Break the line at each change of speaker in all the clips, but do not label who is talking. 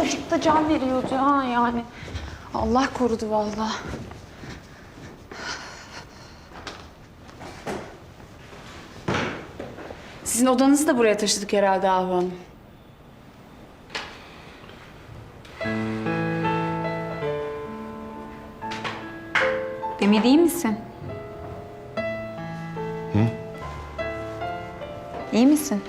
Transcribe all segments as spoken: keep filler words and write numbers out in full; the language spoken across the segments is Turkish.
çocuk da can veriyordu ha yani. Allah korudu vallahi. Sizin odanızı da buraya taşıdık herhalde Ahu Hanım.
Demir iyi misin?
Hı?
İyi misin?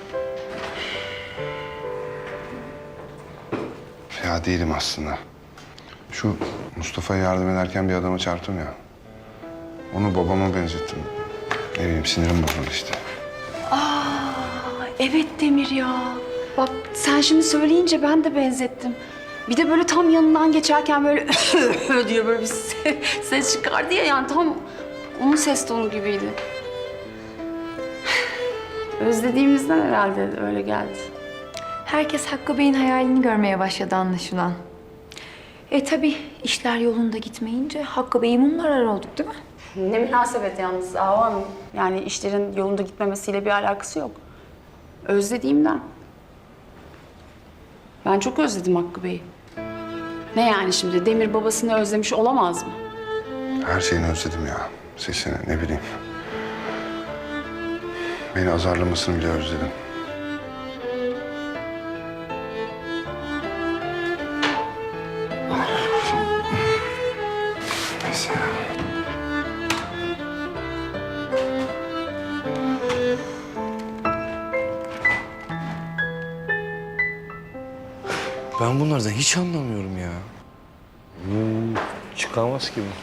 Ya değilim aslında. Şu Mustafa'ya yardım ederken bir adama çarptım ya. Onu babama benzettim. Ne bileyim sinirim bozuldu işte.
Aa, evet Demir ya. Bak sen şimdi söyleyince ben de benzettim. Bir de böyle tam yanından geçerken böyle diye böyle bir ses çıkardı ya, yani tam onun ses tonu gibiydi. Özlediğimizden herhalde öyle geldi.
Herkes Hakkı Bey'in hayalini görmeye başladı anlaşılan. E tabii işler yolunda gitmeyince Hakkı Bey'i mumlar arar olduk değil mi?
Ne münasebet yalnız Ahu Hanım. Yani işlerin yolunda gitmemesiyle bir alakası yok. Özlediğimden. Ben çok özledim Hakkı Bey'i. Ne yani şimdi? Demir babasını özlemiş olamaz mı?
Her şeyini özledim ya. Sesini ne bileyim. Beni azarlamasını bile özledim. Neyse ya.
Ben bunlardan hiç anlamıyorum ya. Hmm, çıkamaz gibi.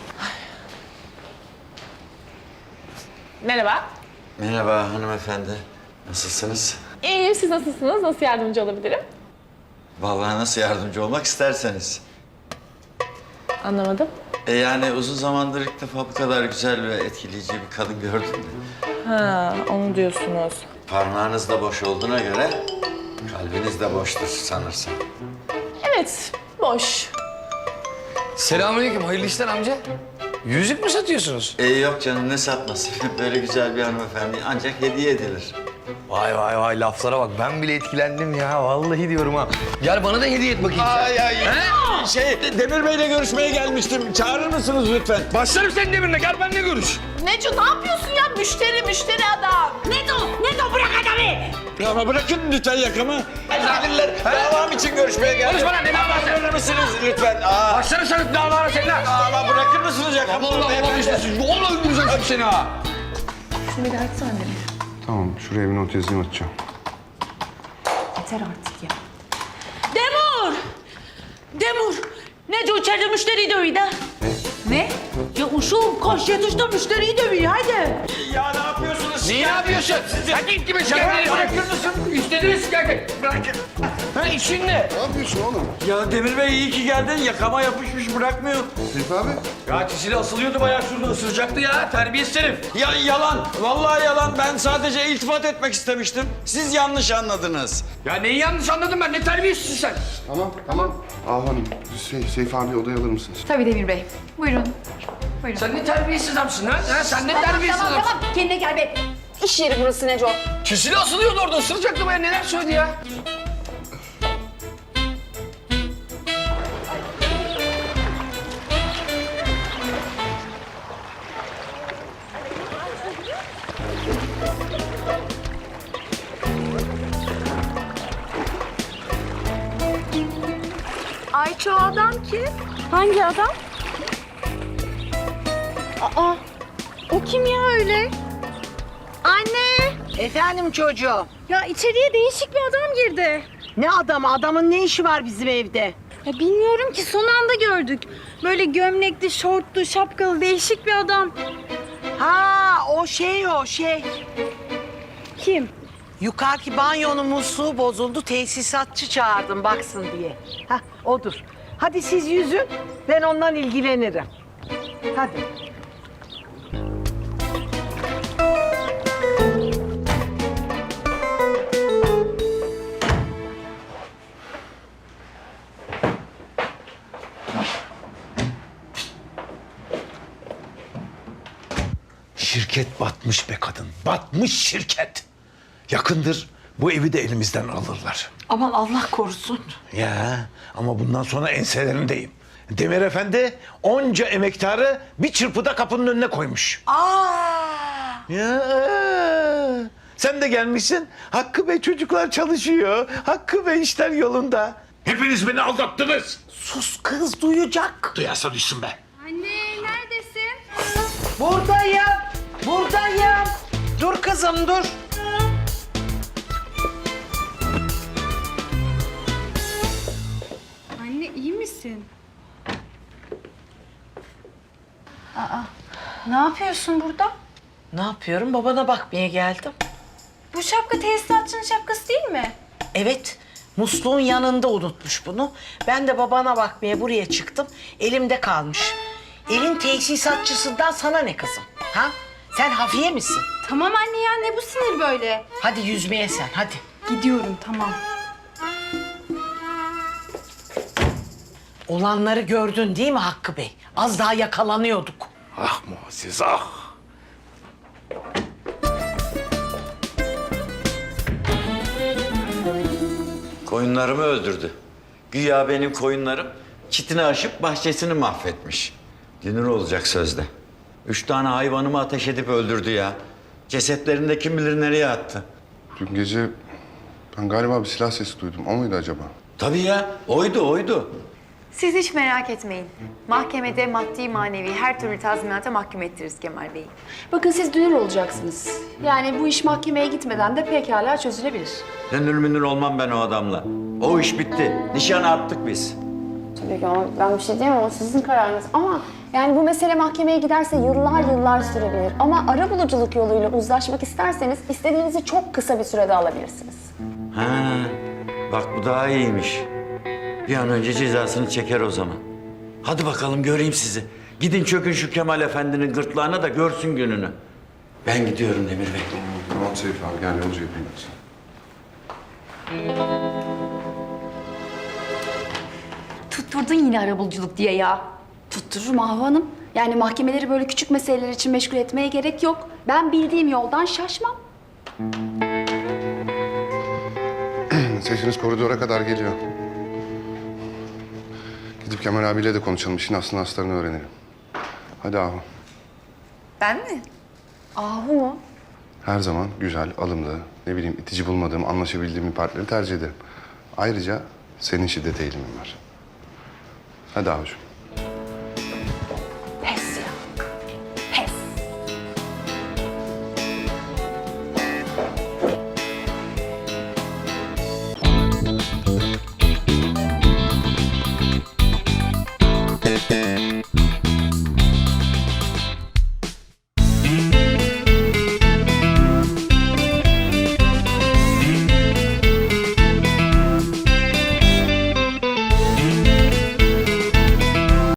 Merhaba.
Merhaba hanımefendi. Nasılsınız?
İyiyim, siz nasılsınız? Nasıl yardımcı olabilirim?
Vallahi nasıl yardımcı olmak isterseniz.
Anlamadım.
E yani uzun zamandır ilk defa bu kadar güzel ve etkileyici bir kadın gördüm de.
Ha, onu diyorsunuz.
Parmağınız da boş olduğuna göre kalbiniz de boştur sanırsam.
Evet, boş.
Selamünaleyküm, hayırlı işler amca. Yüzük mü satıyorsunuz?
E yok canım ne satması. Böyle güzel bir hanımefendi ancak hediye edilir.
Vay vay vay laflara bak, ben bile etkilendim ya. Vallahi diyorum ha. Gel bana da hediye et bakayım sen.
Ay ay.
He?
Şey, Demir Bey'le görüşmeye gelmiştim. Çağırır mısınız lütfen?
Başlarım senin demirine, gel benimle görüş.
Neco ne yapıyorsun ya? Müşteri, müşteri adam.
Nedo, Nedo bırak adamı!
Ya ama bırakın lütfen yakamı. Gelirler. Davam için görüşmeye geldim.
Konuşma lan, ne davası?
Çağırır mısınız lütfen? Aa,
Başlarım senin davana seninle.
ama bırakır mısınız yakamı?
Allah Allah işte, vallahi öldüreceğim seni ha.
Şunu bir daha açsana Demir.
Tamam şuraya bir not yazayım atacağım.
Yeter artık ya.
Demur! Demur! Nedo içeride müşteriyi dövüyor da.
Ne?
Ya uşum koş yetiş de müşteriyi dövüyor haydi.
Ya ne yapıyorsunuz?
Niye ne yapıyorsun? Sen git gibi şikayetleri bırakır mısın? İstediğiniz şikayet. Bırakın. Ha işin ne?
Ne yapıyorsun oğlum?
Ya Demir Bey iyi ki geldin. Yakama yapışmış bırakmıyor.
Seyfi abi.
Ya çizili asılıyordu bayağı şurada ısıracaktı ya. Terbiyesiz herif.
Ya yalan. Vallahi yalan. Ben sadece iltifat etmek istemiştim. Siz yanlış anladınız.
Ya neyi yanlış anladın ben? Ne terbiyesizsin sen?
Tamam tamam. Ahu Hanım, şey, Seyfi abi odaya alır mısınız?
Tabii Demir Bey. Buyurun. Buyurun.
Sen ne terbiyesiz adamsın ha? ha? Sen ne
Tamam
terbiyesiz
tamam
adamsın?
tamam, kendine gel be. İş yeri burası Neco.
Çizili asılıyordu orada ısıracaktı bayağı. Neler söyledi ya?
Ayça o adam kim? Hangi adam? Aa, o kim ya öyle? Anne!
Efendim çocuğum.
Ya içeriye değişik bir adam girdi.
Ne adamı? Adamın ne işi var bizim evde?
Ya bilmiyorum ki, son anda gördük. Böyle gömlekli, şortlu, şapkalı değişik bir adam.
Ha o şey o şey.
Kim?
Yukarıki banyonun musluğu bozuldu. Tesisatçı çağırdım baksın diye. Hah odur. Hadi siz yüzün. Ben ondan ilgilenirim. Hadi.
Şirket batmış be kadın. Batmış şirket. Yakındır
bu evi de elimizden alırlar.
Aman Allah korusun.
Ya ama bundan sonra enselerindeyim. Demir Efendi onca emektarı bir çırpıda kapının önüne koymuş.
Aa!
Ya sen de gelmişsin. Hakkı Bey çocuklar çalışıyor. Hakkı Bey işler yolunda. Hepiniz beni aldattınız.
Sus kız duyacak.
Duyarsa duysun be.
Anne neredesin?
Buradayım. Buradayım. Dur kızım dur.
Anne iyi misin? Ne yapıyorsun burada?
Ne yapıyorum? Babana bakmaya geldim.
Bu şapka tesisatçının şapkası değil mi?
Evet, musluğun yanında unutmuş bunu. Ben de babana bakmaya buraya çıktım. Elimde kalmış. Evin tesisatçısından sana ne kızım? Ha? Sen hafiye misin?
Tamam anne ya ne bu sinir böyle?
Hadi yüzmeye sen, hadi.
Gidiyorum tamam.
Olanları gördün değil mi Hakkı Bey? Az daha yakalanıyorduk.
Ah Muazzez ah.
Koyunlarımı öldürdü. Güya benim koyunlarım çitini aşıp bahçesini mahvetmiş. Dünür olacak sözde. Üç tane hayvanımı ateş edip öldürdü ya. Cesetlerini de kim bilir nereye attı.
Dün gece ben galiba bir silah sesi duydum. O muydu acaba?
Tabii ya, oydu oydu.
Siz hiç merak etmeyin. Mahkemede maddi manevi her türlü tazminata mahkum ettiririz Kemal Bey'i.
Bakın siz dünür olacaksınız. Yani bu iş mahkemeye gitmeden de pekala çözülebilir.
Dünür münür olmam ben o adamla. O iş bitti. Nişanı attık biz.
Tabii ki ama ben bir şey diyemem. O sizin kararınız. Ama yani bu mesele mahkemeye giderse yıllar yıllar sürebilir. Ama arabuluculuk yoluyla uzlaşmak isterseniz istediğinizi çok kısa bir sürede alabilirsiniz.
Ha, bak bu daha iyiymiş. Bir an önce cezasını çeker o zaman. Hadi bakalım göreyim sizi. Gidin çökün şu Kemal Efendi'nin gırtlağına da görsün gününü. Ben gidiyorum Demir Bey.
Tamam Seyfi abi gel yolcu yapayım ben sana.
Tutturdun yine arabuluculuk diye ya.
Tuttururum Ahu Hanım. Yani mahkemeleri böyle küçük meseleler için meşgul etmeye gerek yok. Ben bildiğim yoldan şaşmam.
Sesiniz koridora kadar geliyor. Gidip Kemal abiyle de konuşalım. İşin aslını aslarını öğrenelim. Hadi Ahu.
Ben mi?
Ahu mu?
Her zaman güzel, alımlı, ne bileyim itici bulmadığım, anlaşabildiğim bir partneri tercih ederim. Ayrıca senin şiddete eğilimin var. Hadi Ahucuğum.